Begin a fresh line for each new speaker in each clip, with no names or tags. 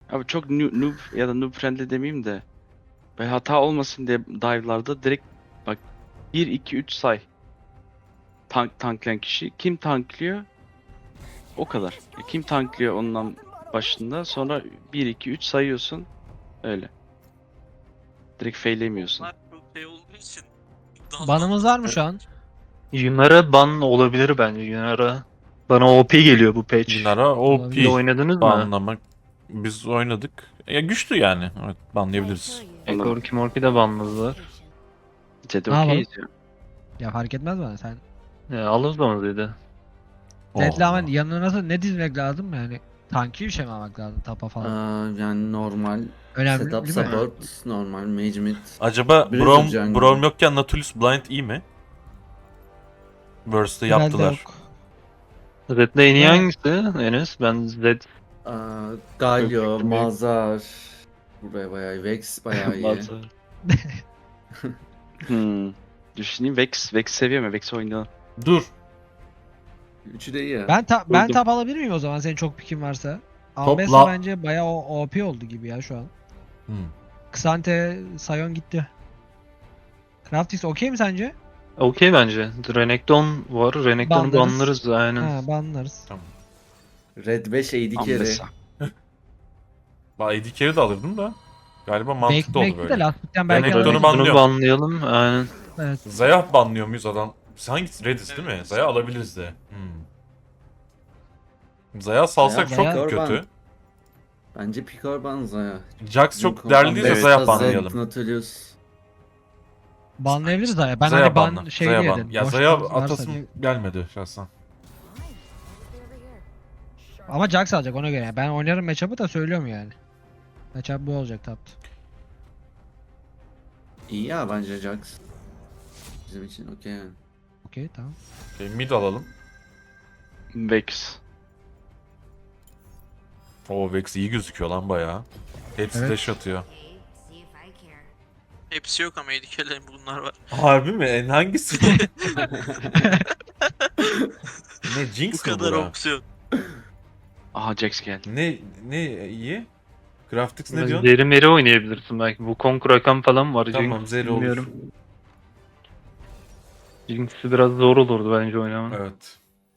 Abi çok noob ya da noob friendly demeyeyim de. Ve hata olmasın diye dive'larda direkt bak 1 2 3 say. Tanklayan kişi. Kim tanklıyor? O kadar. Kim tanklıyor ondan başında. Sonra 1 2 3 sayıyorsun. Öyle. Direkt faillemiyorsun.
Bunlar çok şey olduğu için.
Banımız var mı şu an?
Yunara ban olabilir bence. Yunara bana OP geliyor bu patch.
Yunara OP
Olabilir.
Bir oynadınız mı?
banlamak. Biz oynadık. Ya güçlü yani. Evet, banlayabiliriz.
Korki Morki de banladılar.
Zed
Ne yapalım?
okeyiz ya.
Ya fark etmez bana sen.
Alız da mı dedi?
Zed'le
Oh.
ama yanına nasıl ne dizmek lazım yani? Tanki bir şey mi almak lazım tapa falan?
Yani normal
Önemli
setup
değil mi?
support, normal mage mid.
Acaba
Blizzard
Braum,
jungle.
Braum yokken Nautilus Blind iyi mi? Burst'ı
Herhalde
yaptılar.
yok.
Zed'le en iyi
Ha.
hangisi Enes? Ben Zed
Galio,
Öpüktüm
Mazhar. Buraya bayağı iyi. Vex bayağı iyi.
bazı.
Düşüneyim. Vex seviyor mu? Vex oynayalım.
Dur.
Üçü de iyi ya.
Ben
Buldum.
tap alabilir miyim o zaman senin çok pikin varsa?
Topla.
Ambessa bence bayağı OP oldu gibi ya şu an.
Hmm.
Xante, Sion gitti. Craftis okey mi sence?
Okey bence. Renekton var. Renekton'u
Banlarız.
banlarız aynen.
Ha banlarız.
Red 5 AD carry.
Ambessa.
Ben AD carry de alırdım da. Galiba mantıklı oldu
Bekle de
böyle.
lastikten belki
Renekton'u
alırız.
banlıyorum.
banlayalım. Aynen.
Evet.
Zaya banlıyor muyuz adam? Hangisi? Redis değil mi? Zaya alabiliriz de. Zaya salsak
Zaya-
çok
Zaya-
kötü.
Bence Picor Banza ya.
Jax çok değerli değilse
Evet,
Zaya
Zed,
banlayalım.
Nautilus.
Banlayabiliriz Zaya. Ben
Zaya
hani ban
banla.
şey
Zaya
diye
ban.
dedim.
Ya
boş
Zaya
varsa
atasım
diye.
gelmedi şahsen.
Ama Jax alacak ona göre. Ben oynarım matchup'ı da söylüyorum yani. Matchup bu olacak taptı.
İyi ya bence Jax. Bizim için okey yani.
Okey tamam.
Okay, mid alalım.
Vex.
O Vex iyi gözüküyor lan bayağı. Hepsi
Evet.
dash atıyor.
Hepsi yok ama edikelerin bunlar var.
Harbi mi? En hangisi? Ne
Bu
Jinx mi
kadar
bura?
opsiyon.
Aha Jax geldi.
Ne iyi? Graphics ne diyorsun?
Zeri meri oynayabilirsin belki. Bu Konkur Rakan falan var.
Tamam
Jinx,
Zeri olur.
bilmiyorum. Jinx'i biraz zor olurdu bence oynamak.
Evet.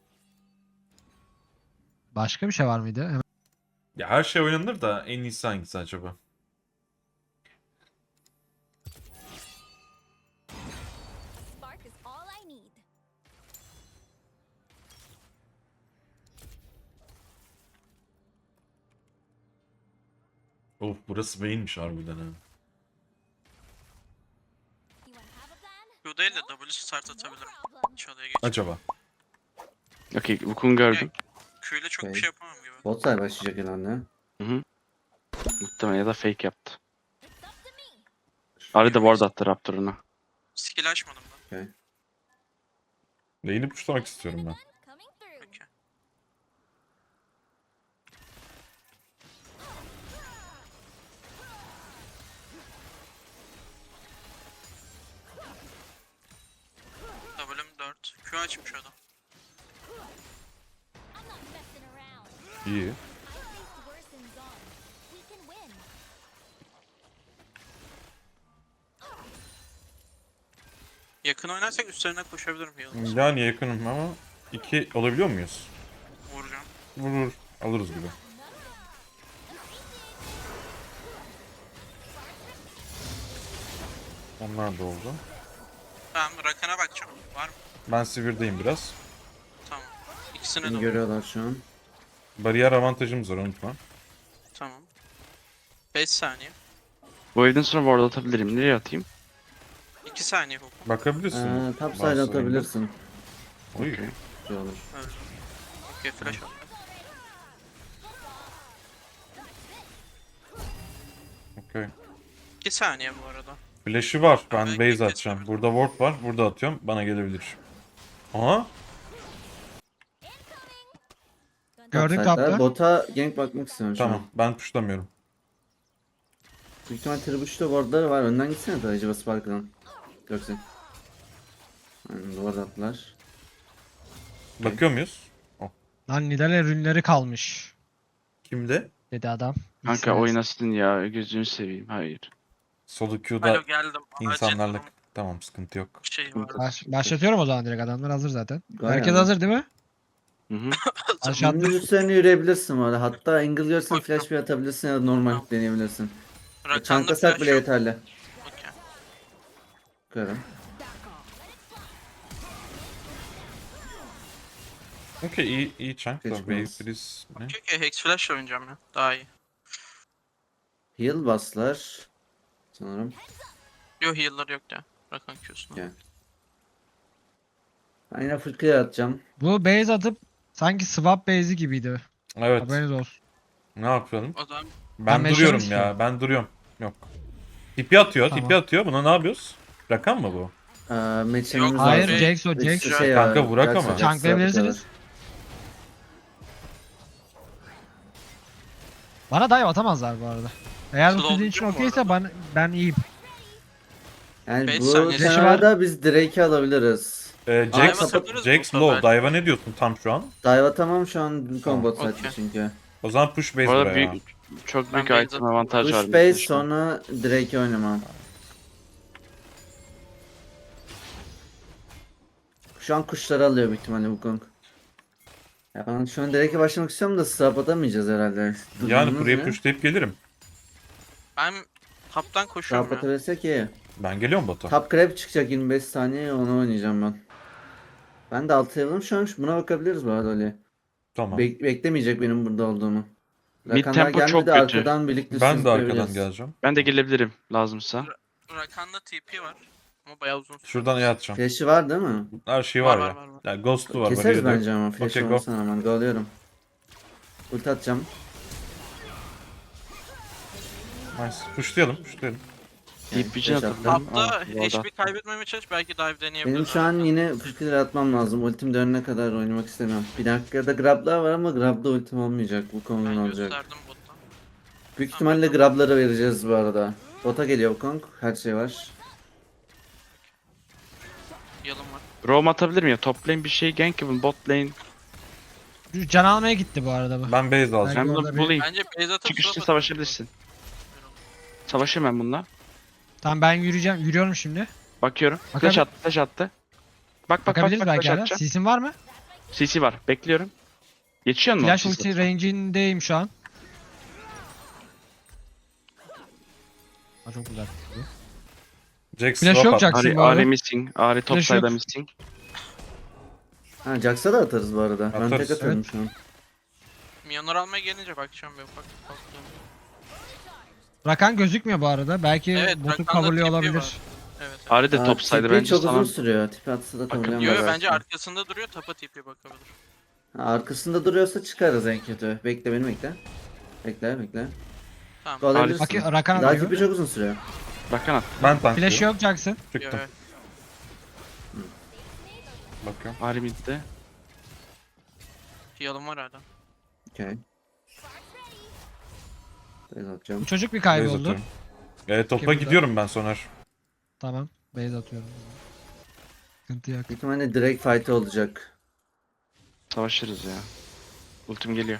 Başka bir şey var mıydı? Hemen.
Ya her şey oynanır da en iyisi hangisi acaba?
Spark is all I need.
Of burası beyinmiş harbiden ha.
You wanna have a plan?
Q değil de W start atabilirim.
Problem.
Çalıya geç.
Acaba?
Okey. Wukong gördüm.
Q ile çok bir
Okay.
şey yapamam gibi.
Bot side başlayacak herhalde.
Muhtemelen ya da fake yaptı.
It's up to me.
Ari de ward attı Raptor'una.
Skill açmadım ben.
Lane'i puşlamak istiyorum ben.
Coming through.
Peki. W'm 4. Q açmış adam.
I'm not messing around.
İyi.
I faced worse in Zon. We can win.
Yakın oynarsak üstlerine koşabilirim yalnız.
Yani yakınım ama 2 olabiliyor muyuz?
Vuracağım.
Vurur. Alırız gibi. Onlar da oldu.
Tamam Rakan'a bakacağım. Var mı?
Ben Sivir'deyim biraz.
Tamam. İkisine
Beni
de
görüyorlar şu an.
Bariyer avantajımız var unutma.
Tamam. 5 saniye.
Bu evden sonra ward atabilirim. Nereye atayım?
2 saniye hukum.
Bakabilirsin.
Top side
Varsa
atabilirsin.
Oy.
Okey.
Güzel olur.
Öldü. Okey flash at.
Okey.
2 saniye bu arada.
Flash'ı var. Ben
Ben
base
kesin
atacağım.
kesin.
Burada ward var. Burada atıyorum. Bana gelebilir. Aha.
Gördük
Top side'da.
tapta.
Bota gank bakmak istiyorum şu
Tamam.
an.
Ben puşlamıyorum.
Büyük ihtimal Trebuch'ta wardları var. Önden gitsene de acaba Spark'dan. Göksen. Aynen ward attılar.
Bakıyor muyuz?
Lan Nidale ürünleri kalmış.
Kimde?
Dedi adam.
Kanka
İkisi
oynasın ya, gözünü seveyim. Hayır.
Solo queue'da
Alo geldim. Acil
insanlarla...
durum
Tamam, sıkıntı yok.
şey var.
Başlatıyorum o zaman direkt, adamlar hazır zaten.
Gayet
Herkes
abi.
hazır değil mi?
Hı hı.
Aşağı atla.
Dümdüz üzerine yürüyebilirsin orada. Hatta angle görsen
Okey.
flash bir atabilirsin ya da normal
Tamam.
deneyebilirsin.
Rakan'da
Çantasak
flash
bile
yok.
yeterli.
Okey.
Görüyorum.
Okey, iyi chunk da.
Geçmez.
Wave freeze ne?
Okey, Hex flash oynayacağım ya. Daha iyi.
Heal baslar. Sanırım.
Yo heal'lar yok ya. Rakan Q'suna.
Gel. Ben yine full clear atacağım.
Bu base atıp sanki swap base'i gibiydi.
Evet.
Haberiniz olsun.
Ne yapalım?
O zaman
Ben
meşale
duruyorum
mi
ya.
istiyorum?
Ben duruyorum. Yok. Tipi atıyor.
Tamam.
Tipi atıyor. Buna ne yapıyoruz? Rakan mı bu?
Match'imiz
Hayır,
lazım.
Jax o,
İkisi
Jax.
şey
Kanka
var,
vurak
Jax
ama.
var, Jax var,
Tanklayabilirsiniz.
Jax var.
Bana dive atamazlar bu arada. Eğer bu
Slow
sizin için
değil mi bu
okeyse ben iyiyim.
Yani
Beş
bu
saniye.
senaryoda biz Drake'i alabiliriz.
Dive
Jax,
atabiliriz
Jax
bu
low.
sefer.
Dive'a ne diyorsun tam şu an?
Dive tamam şu an combo
Tamam,
site
okey.
çünkü.
O zaman push base
Bu arada
buraya.
çok
Ben
büyük
base
item avantaj var.
Push base sonra Drake'i oynamam. Şu an kuşları alıyor büyük ihtimalle Wukong. Ya ben şu an Drake'e başlamak istiyorum da swap atamayacağız herhalde.
Yani
Durumunuz
buraya
ne?
pushlayıp gelirim.
ben taptan koşuyorum
Swap
ya.
atabilirsek iyi.
Ben geliyorum bota.
Top Crab çıkacak 25 saniye onu oynayacağım ben. Ben de 6 level'ım şu an buna bakabiliriz bu arada Ali.
Tamam.
Beklemeyecek benim burada olduğumu.
Mid
Rakanlar
tempo çok
gelmedi
kötü.
arkadan birlikte
Ben de arkadan
sürükleyebiliriz.
geleceğim.
Ben de gelebilirim lazımsa.
Rakan'da TP var. Ama bayağı uzun süre.
Şuradan iyi atacağım.
Flash'i var değil mi?
Her şey
Var,
var
var,
ya.
var, var.
Yani Ghost'u var.
Keseriz
barrieri de yok.
bence ama flash
Okey, go.
olmasına rağmen alıyorum. Ulti atacağım.
Nice. Pushlayalım.
Deep Vision
flash
atalım.
attım.
Tapta
Aa, bu arada.
HP kaybetmemeye çalış, belki dive deneyebiliriz.
Benim şu an yine fırkılar atmam lazım. Ultim dönene kadar oynamak istemiyorum. Bir dakikada grablar var ama grabda ultim olmayacak. Bu konunun
Ben
olacak.
gösterdim bottan.
Büyük ihtimalle grabları vereceğiz bu arada. Bota geliyor Wukong. Her şey var.
Yalım var.
Roam atabilir miyim? Top lane bir şey gank yapın. Bot lane.
Can almaya gitti bu arada bu.
Ben base alacağım.
Ben
orada
bunu
bir-
bulayım.
Bence base atıp
Çıkışta
swap
savaşabilirsin. Savaşayım ben bununla.
Tamam ben yürüyorum şimdi.
Bakıyorum.
Bakabil-
Flash attı, flash attı. Bak
Bakabiliriz belki
flash
hala.
atacağım.
CC'in var mı?
CC var. Bekliyorum. Geçiyor mu?
Flash
CC?
ulti range'indeyim şu an. Ha, çok güzel.
Jax
Flash
swap
yok
at.
Jax. bu arada.
Ari missing. Ari top
Flash yok.
side'a missing.
Ha Jax'a da atarız bu arada. Ben
Atarız.
tek atarım
Evet.
şu an.
Minyonlar almaya gelince bakacağım bir ufak.
Rakan gözükmüyor bu arada. Belki
Evet,
botu
Rakan'da
coverlıyor
TP
olabilir.
var. Evet.
Ari de
Aa,
top side'a
TP
bence
çok uzun
sana.
sürüyor. Tipi atsa da
Bakın,
coverlayamaz.
Yo bence
belki.
arkasında duruyor, tapa TP bakabilir.
Ha, arkasında duruyorsa çıkarız en kötü. Bekle beni bekle. Bekle.
Tamam.
Kovalayabilirsin.
Bak Rakan
Daha
atıyor.
tipi çok uzun sürüyor.
Rakan at.
Ben tanklıyorum.
Flash yok Jax'ın.
Yo,
Çıktım.
evet.
Bakıyorum.
Ari midde.
Yalım var hala.
Okey. Ben atacağım.
Bu çocuk bir
Base
kayboldu.
atıyorum. Topa
Kim burada?
gidiyorum ben Soner.
Tamam. Base atıyorum. Sıkıntı yok.
Büyük ihtimalle direkt fight olacak.
Savaşırız ya. Ultim geliyor.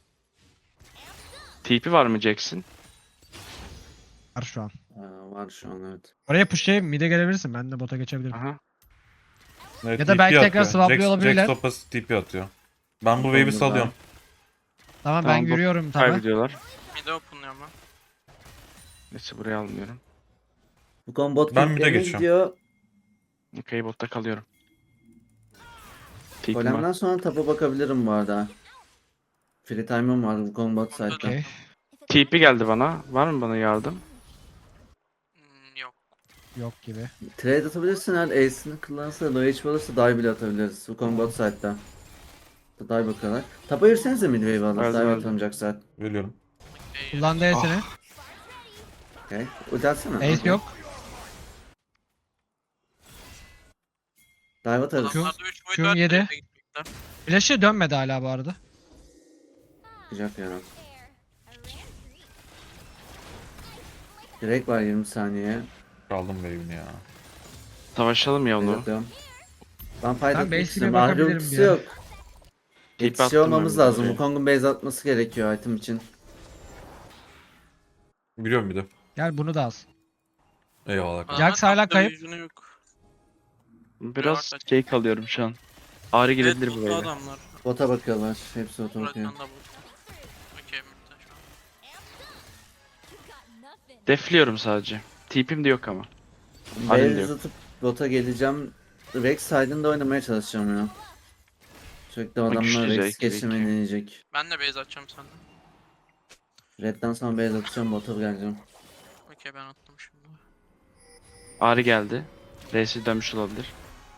TP var mı Jackson?
Var şu an.
Var şu an evet.
Oraya pushlayıp mid'e gelebilirsin. Ben de bota geçebilirim.
Aha.
Evet,
Ya da
TP
belki tekrar
atıyor.
swaplıyor
Jax-
olabilirler.
Jax topa TP atıyor. Ben bu wave'i
Oldu
salıyorum.
Tamam,
Tamam,
ben
bot
yürüyorum tabi.
Kaybediyorlar.
Mid'e openlıyorum ben.
Neyse buraya almıyorum.
Bu combo
Ben bir de
King'e
geçiyorum.
gidiyor.
Okey botta kalıyorum. TP'm var.
Golem'den sonra tapa bakabilirim bu arada. Free time'ım var bu combat site'da.
Okey.
TP geldi bana. Var mı bana yardım?
Yok.
Yok gibi.
Trade atabilirsin eğer ace'ini kullanırsa low HP olursa dive bile atabiliriz bu combat site'da. Dive bakıyorlar. Tapa yürüsenize midwave alır.
Verdim,
Dive
verdim.
atamayacak zaten.
Ölüyorum.
Kullandı E'sini.
Okey. Ulti atsana.
Ace
Okey.
yok.
Dive atarız.
Adamlarda 3 boyut
Q'm
var.
yedi.
trade'e gitmekler.
Flash'ı dönmedi hala bu arada.
Çıkacak yani.
There. I ran free.
Direkt var 20 saniye.
Kaldım wave'ini ya.
Savaşalım ya
Base
onu.
atıyorum. Ben fight
Ben
atmak
base'ine
istiyorum. Ahri
bakabilirim
ultisi
bir ara.
yok.
TP
Yetişiyor
attım
olmamız
ben
lazım.
buraya.
Wukong'un base atması gerekiyor item için.
Biliyorum bir de.
Gel bunu da alsın.
Eyvallah.
Adamın
Jax hala
tapta
kayıp.
vision'ı yok.
Biraz
Var,
şey kalıyorum şu an. Ağrı
Evet
gelebilir
botlu
buraya.
adamlar.
Bota bakıyorlar. Hepsi bota bakıyor.
Rakan da botlu. Okey midde şu an.
Got nothing.
Defliyorum sadece. TP'm de yok ama. Halim de
Base
yok.
atıp bota geleceğim. Rex side'ında oynamaya çalışacağım ya. Sürekli adamlar
güçlü
Rex
Jack,
geçirmeyi
belki.
deneyecek.
Ben de base atacağım senden.
Red'den sonra base atacağım, bota geleceğim.
Okey ben attım şimdi.
Ağrı geldi. R'si dönmüş olabilir.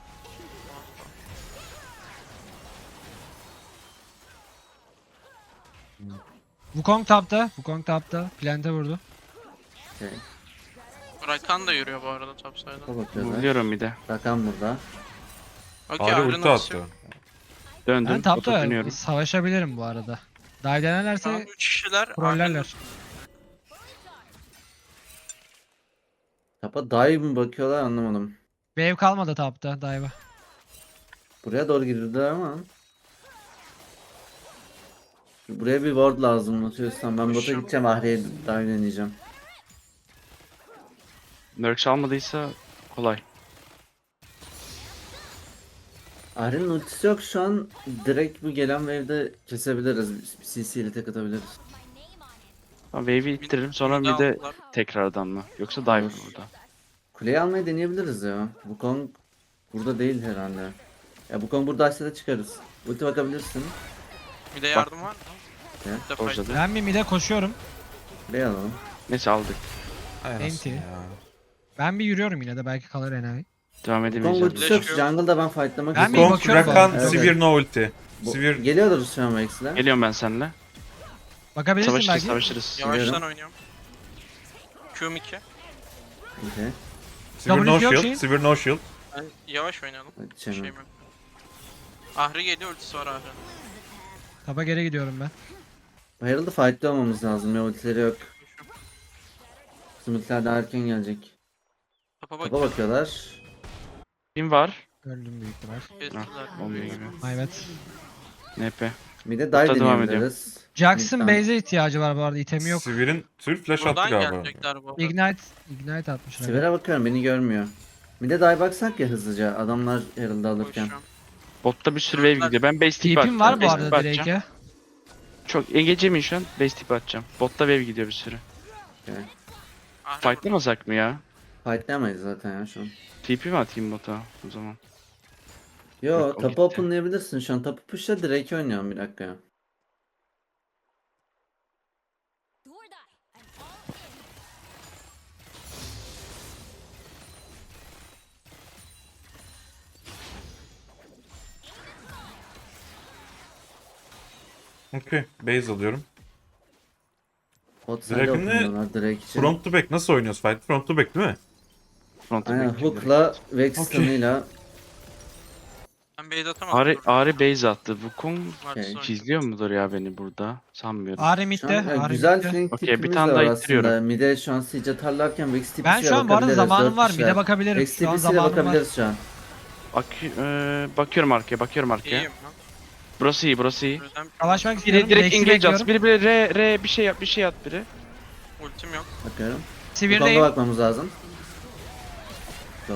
Wukong tapta. Wukong tapta. Plante vurdu.
Okay.
Rakan da yürüyor bu arada topside'da.
Bota bakıyorlar.
Biliyorum bir de.
Rakan burada.
Okey
Ağrı
Iron
ulti
ultisi
attı.
yok.
Döndüm.
Ben
bota
tapta
dönüyorum.
savaşabilirim bu arada. Dive denerlerse
Tamam 3 kişiler.
trollerler.
Tapa dive mi bakıyorlar anlamadım.
Wave kalmadı tapta dive'a.
Buraya doğru girdiler ama. Buraya bir ward lazım atıyorsan. Ben bota
Koşuyorum.
gideceğim, Ahri'ye dive deneyeceğim.
Merc almadıysa kolay.
Ahri'nin ultisi yok şu an. Direkt bu gelen wave'de kesebiliriz. CC ile tek atabiliriz.
My name on it.
Tamam, wave'i ittiririm sonra
Mid'i
bir de
aldılar.
tekrardan mı? Yoksa dive
Olur.
burada.
Kuleyi almayı deneyebiliriz ya. Wukong burada değil herhalde. Ya Wukong buradaysa da çıkarız. Ulti bakabilirsin.
Bir de yardım var mı?
Ne?
Bir de fight.
Orada.
Ben bir mid'e koşuyorum.
Kuleyi alalım.
Neyse aldık.
Ay
Enti.
anasını ya.
Ben bir yürüyorum yine de belki kalır enayi.
Devam
Wukong
edemeyeceğim.
ultisi yok.
Flash yok.
Jungle'da ben fightlamak
Ben bir
istiyorum.
Kong,
bakıyorum
Rakan,
ben. Evet,
Sivir no ulti.
Bu-
Sivir
Geliyorlar şu an Vex'le.
Geliyorum ben seninle.
Bakabilirsin
Savaşırız
belki.
savaşırız.
Yavaştan
Geliyorum.
oynuyorum. Q'm 2.
Okay.
Sivir no
W'si yok
shield.
şeyin.
Sivir no shield.
Ben yavaş oynayalım.
Hadi
Bir şeyim
çevireyim.
yok. Ahri geliyor ultisi var Ahri'nin.
Tapa geri gidiyorum ben.
Herald'ı fight'ta olmamız lazım ya, ultileri yok. Bizim ultiler daha erken gelecek.
Tapa bak.
Tapa bakıyorlar.
Kim var?
Öldüm büyük ihtimal.
Kestiler.
Olmuyor gibi.
Evet.
NP.
Bir de
Hatta
dive
devam
deneyebiliriz.
Jackson
Mid'den.
base'e ihtiyacı var bu arada. İtemi yok.
Sivir'in Sivir flash attı
Buradan
galiba.
gelecekler bu arada.
Ignite atmış.
Sivir'e bakıyorum, beni görmüyor. Bir de dive baksak ya hızlıca, adamlar Herald'ı alırken.
Koşuyorum.
Botta bir sürü wave gidiyor. Ben base tip
TP'm var bu
Base
arada
tip atacağım.
Drake'e.
Çok engecemin şu an. Base tip atacağım. Botta wave gidiyor bir sürü.
Ahri
Fightlamasak mı ya?
Fightlayamayız zaten ya şu an.
TP mi atayım bota o zaman?
Yo,
Yok, o
tapı
gitti.
openlayabilirsin şu an. Tapı push'la direkt oynuyorum, bir dakika ya.
Do or die. I'm all in.
Okey. Base alıyorum.
Bot side
Draken'ı
openlıyorlar direkt için.
Front to back nasıl oynuyoruz fight? Front to back değil mi?
Front'a
Aynen,
bekliyorum.
hook'la Vex
Okey.
stun'ıyla.
Ben base atamadım.
Ağrı,
dur.
Ağrı base attı. Wukong
Martis
Okey.
oynuyor.
çizliyor mudur ya beni burada? Sanmıyorum.
Ahri
Şu an
mid'de.
ya,
Ahri
güzel
mid'de.
flank
Okey, bir
tipimiz
tane
de
daha
var aslında.
ittiriyorum.
Mid'e şu an siege atarlarken Vex TP'siyle
Ben şu an bu arada
bakabiliriz,
zamanım
dört
var.
kişiler.
Mid'e bakabilirim.
Vex
Şu an
TP'siyle
zamanım var.
bakabiliriz şu an.
Bakıyorum arkaya, bakıyorum arkaya.
İyiyim lan.
Burası iyi, burası iyi.
Yüzden
Savaşmak istiyorum.
Biri direkt
Rex'i
engage at.
bekliyorum.
Biri R bir şey yap, bir şey at biri.
ultim yok.
Bakıyorum. Bu
Sivir'deyim.
konuda bakmamız lazım. Zor.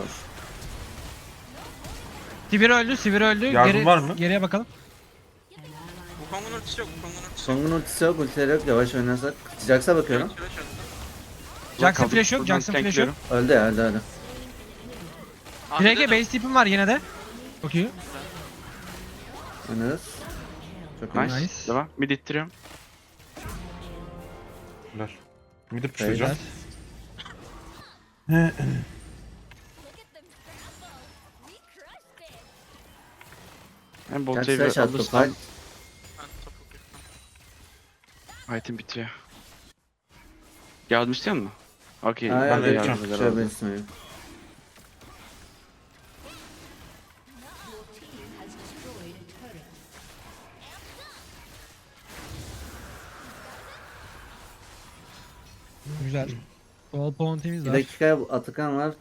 Sivir öldü. Sivir öldü.
Yardım var mı?
Geriye bakalım.
Bu Kong'un ultisi yok. Bu Kong'un ultisi yok.
Song'un ultisi yok, ultileri yok. Yavaş oynarsak. Jax'a bakıyorum.
Flash attı.
Jackson
Kaldım,
flash yok.
buradan
Jackson flash yok.
tankliyorum.
Öldü ya, öldü.
Ahri
Drake'e
de-
base tipim var yine de. Çok iyi.
Oynarız. Çok iyi.
Nice.
Nice.
Devam. Mid ittiriyorum.
Ver. Mid'i pushlayacağım.
Look at them scramble. We crushed it.
Hem bot
Jax
wave'i
flash attı.
alırsam
Fight.
Ben topu kırdım.
item bitiyor. Yardım istiyor musun? Okey.
Ha,
Ben de
evet,
yapacağım.
çok şöyle ismi.
Güzel. Ball point'imiz
Bir
var.
dakika, Atakan var.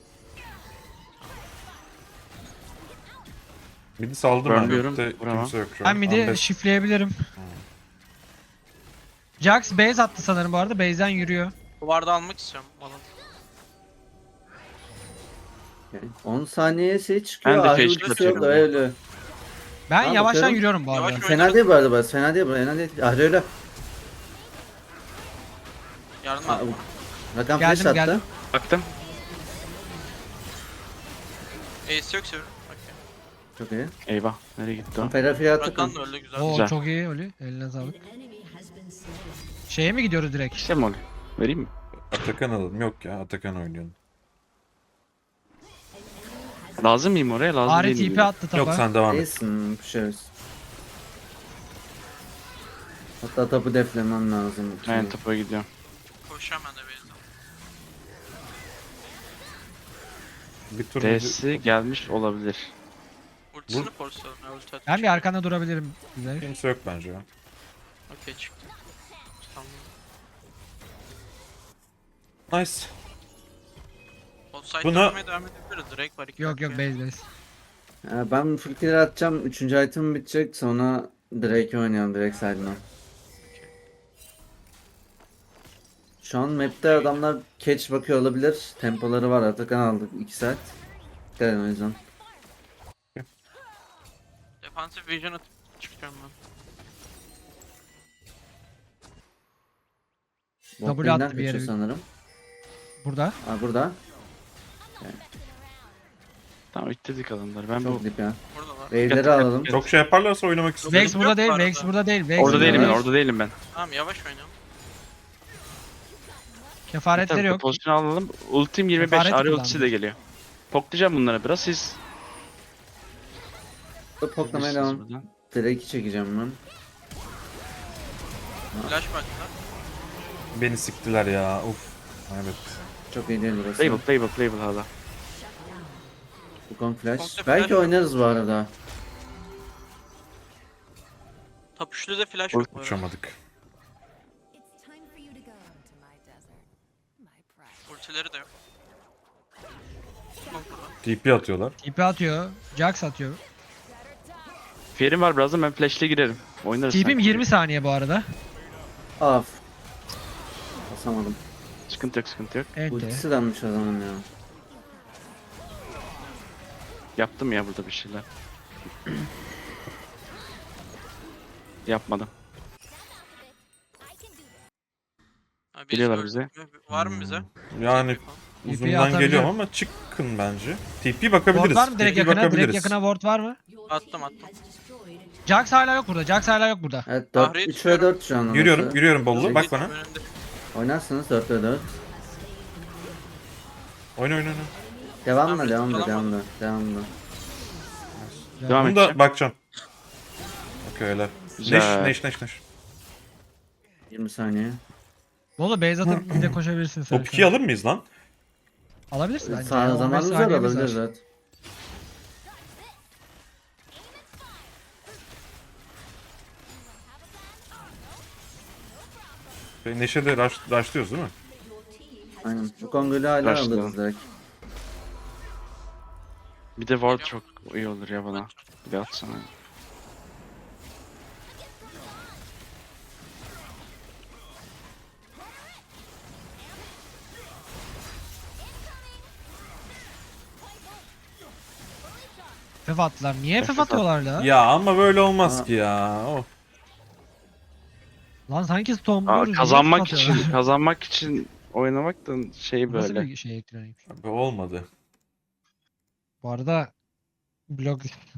Mid'i saldım ben.
Burnluyorum,
Mid'de
vuramam.
kimse yok şu an.
Ben mid'i
Unbest.
şifleyebilirim. Jax base attı sanırım bu arada. Base'den yürüyor.
Duvarda almak istiyorum balon.
Okay. 10 saniye şey çıkıyor.
Ben de
Ahri
flash
ultisi
atıyorum
yok da
ya.
öyle.
Ben
Abi
yavaştan
bakıyorum.
yürüyorum bu arada.
Yavaş
Fena değil bu arada burası. Fena değil bu. Fena değil. Ahri öyle.
Yardım
Aa,
al.
Rakam
Geldim,
flash attı.
geldim.
Baktım.
Ace yok seviyorum. Okey.
Çok iyi.
Eyvah. Nereye gitti o?
Ferafiye attı.
Rakan da öldü güzel.
Oo
Güzel.
çok iyi Oli. Eline sağlık. Şeye mi gidiyoruz direkt?
İşte mi oluyor? Vereyim mi?
Atakan alalım. Yok ya Atakan oynayalım.
Lazım mıyım oraya? Lazım
Ahri
değilim.
TP attı tapa.
Yok sen devam et.
İyisin. Pişeriz. Hatta tapu deflemem lazım.
Ben topa gidiyorum.
Koşacağım ben de base'den.
Bir tur
D'si gelmiş olabilir.
Ultisini forsladım ya ulti atacak.
Ben bir arkanda durabilirim. Güzel.
kimse yok bence ya.
Okey çıktı. Tamam.
Nice.
O site
Buna-
yapmaya devam edebiliriz. Drake var 2
Yok yok base base.
Ben full clear atacağım. 3. item bitecek. Sonra Drake oynayalım. Drake side'ına. Şu an map'te adamlar catch bakıyor olabilir. Tempoları var. Atakan aldık 2 saat. Dikkat edin o yüzden.
Defensive vision atıp çıkacağım ben.
Bot
attı
lane'den
bir yere.
kaçıyor sanırım.
Burada.
Aa burada.
Tamam ittirdik adamları. Ben bu...
Çok dip ya.
Buradalar.
Wave'leri alalım.
Çok şey yaparlarsa oynamak istiyorum.
Vex burada
yok
değil.
bu arada.
Vex burada değil. Vex
Orada
burada
değilim ben.
değil.
Orada değilim ben.
Tamam yavaş oynayalım.
Kefaretleri
Tabii,
yok.
pozisyon alalım. Ultim 25.
Kefaret
Arı
kullandım.
ultisi de geliyor. Poklayacağım bunlara biraz. Siz...
Poklamaya devam. Drake'i çekeceğim ben.
Flash baktılar.
Beni siktiler ya. Uf. Evet.
Çok iyi değil burası.
Playable hala.
Wukong flash.
Wukong'da
Belki
flash
oynarız bu arada.
Top üçlü de flash yok bu arada.
Uçamadık.
It's time for you to go to my desert. My pride.
Ultileri de yok. Kong burada.
TP atıyorlar.
TP atıyor. Jax atıyor.
Fear'im var birazdan ben flash'le girerim. Oynarız.
TP'm
sanki.
20 saniye bu arada.
Af. Basamadım.
Sıkıntı yok.
Ente.
Ultisi denmiş o zaman ya.
Yaptım ya burada bir şeyler. Yapmadım.
I can do this.
Ha, biz
Geliyorlar
öldük
bize.
mü? Var mı bize?
Yani
TP'yi
uzundan
atabiliyorum.
geliyorum ama çıkın bence. TP
Ward
bakabiliriz.
var mı direkt
TP
yakına? Direkt
bakabiliriz.
yakına ward var mı?
Attım.
Jax hala yok burada. Jax hala yok burada.
Evet 4,
Ahri'yi
3 ve
tutuyorum.
4 şu an orası.
Yürüyorum Bollu. Bak bana.
Önümde.
Oynarsınız 4 ve 4.
Oyna.
Devamla
Ahri
devamla
tutalım
devamla.
Devam
Bunu
edeceğim.
da bakacağım. Okey öyle.
Güzel.
Neş.
20 saniye.
Bolu base atıp bir de koşabilirsin sen.
Top 2'yi alır mıyız lan?
Alabilirsin bence.
Sağ
ya, 15
zamanımız var
saniyemiz
alabiliriz evet.
Neşe de rushlıyoruz değil mi?
Aynen. Bu Kongol'ü hala
Başlayalım.
alırız direkt.
Bir de ward çok iyi olur ya bana. Bir de atsana.
FF attılar. Niye FF atıyorlar la?
Ya ama böyle olmaz
Aa.
ki ya. Oh.
Lan sanki
Aa,
stormluyoruz. niye
kazanmak
FF atıyorlar?
kazanmak için oynamak da şey
Bu Nasıl
böyle.
bir şey elektronik?
Bu olmadı.
Bu arada blok